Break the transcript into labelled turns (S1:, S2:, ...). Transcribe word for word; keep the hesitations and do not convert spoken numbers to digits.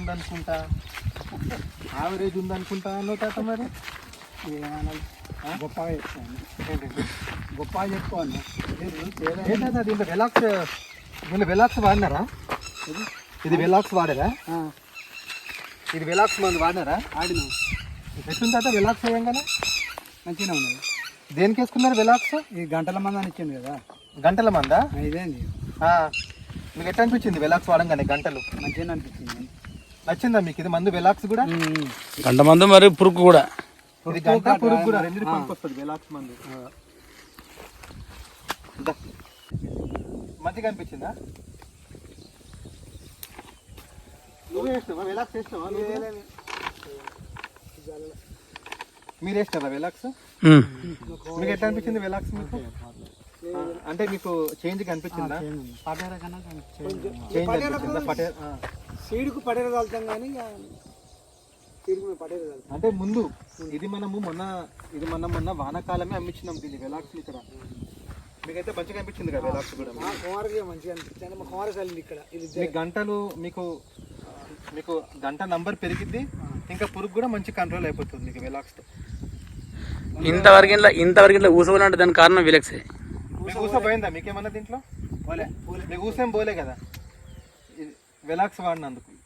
S1: ఉందనుకుంటా, average ఉందనుకుంటా అన్నావు తాత. మరి
S2: ఏమనాలి, గొప్పగా చెప్తాను,
S1: ఏంటంటే
S2: గొప్పగా చెప్పుకోవాలి.
S1: ఏంటంటే దీంట్లో వెలాక్స్, దీంట్లో వెలాక్స్ వాడినారా? ఇది వెలాక్స్ వాడారా? ఇది వెలాక్స్ మందు వాడినారా?
S2: ఆడినా
S1: ఎట్లుంది తాత వెలాక్స్ వేయంగానే?
S2: మంచిగా ఉన్నది.
S1: దేనికి వేసుకున్నారు వెలాక్స్?
S2: ఈ గంటల మంది అని ఇచ్చింది కదా,
S1: గంటల మందా?
S2: ఇదేంది
S1: మీకు ఎట్లా అనిపించింది వెలాక్స్ వాడంగానే? గంటలు
S2: మంచిగా అనిపించింది.
S1: నచ్చిందా మీకు ఇది మందు వెలాక్స్ కూడా?
S3: గంట మందు మరి పురుగు కూడా,
S1: ఇది గంట పురుగు కూడా రెండు పనికి వస్తుంది వెలాక్స్ మందు. మంచిగా అనిపించిందా? నువ్వు వేస్తావా వెలాక్స్? వేస్తావా? మీరు వేస్తారా వెలాక్స్? మీకు ఎట్లా అనిపించింది వెలాక్స్ మీకు? అంటే మీకు చేంజ్ కనిపించిందా? చేంజ్ అనిపించిందా? పటేర
S2: సీడుకు పటేర చల్లుతాం కానీ సీడుకు పటేర చల్లుతాం.
S1: అంటే ముందు ఇది మనము మొన్న ఇది మొన్న మొన్న వానాకాలమే అమ్మించినాం దీన్ని వెలాక్స్ ఇక్కడ. మీకైతే మంచిగా అనిపించింది కదా వెలాక్స్ కూడా?
S2: మా కుమారుగా మంచిగా అనిపించింది. మా కుమారు చల్లింది ఇక్కడ. ఇది
S1: మీకు గంటలు మీకు మీకు గంట నంబర్ పెరిగిద్ది, ఇంకా పురుగు కూడా మంచి కంట్రోల్ అయిపోతుంది మీకు వెలాక్స్తో.
S3: ఇంతవరకు ఇంట్లో ఇంతవరకు ఇంట్లో ఊసపోయినట్టు దానికి కారణం విలక్సే.
S1: మీకు ఊస పోయిందా మీకేమన్నా దీంట్లో? పోలే. మీకు ఊసేం పోలే కదా వెలాక్స్ వాడినందుకు.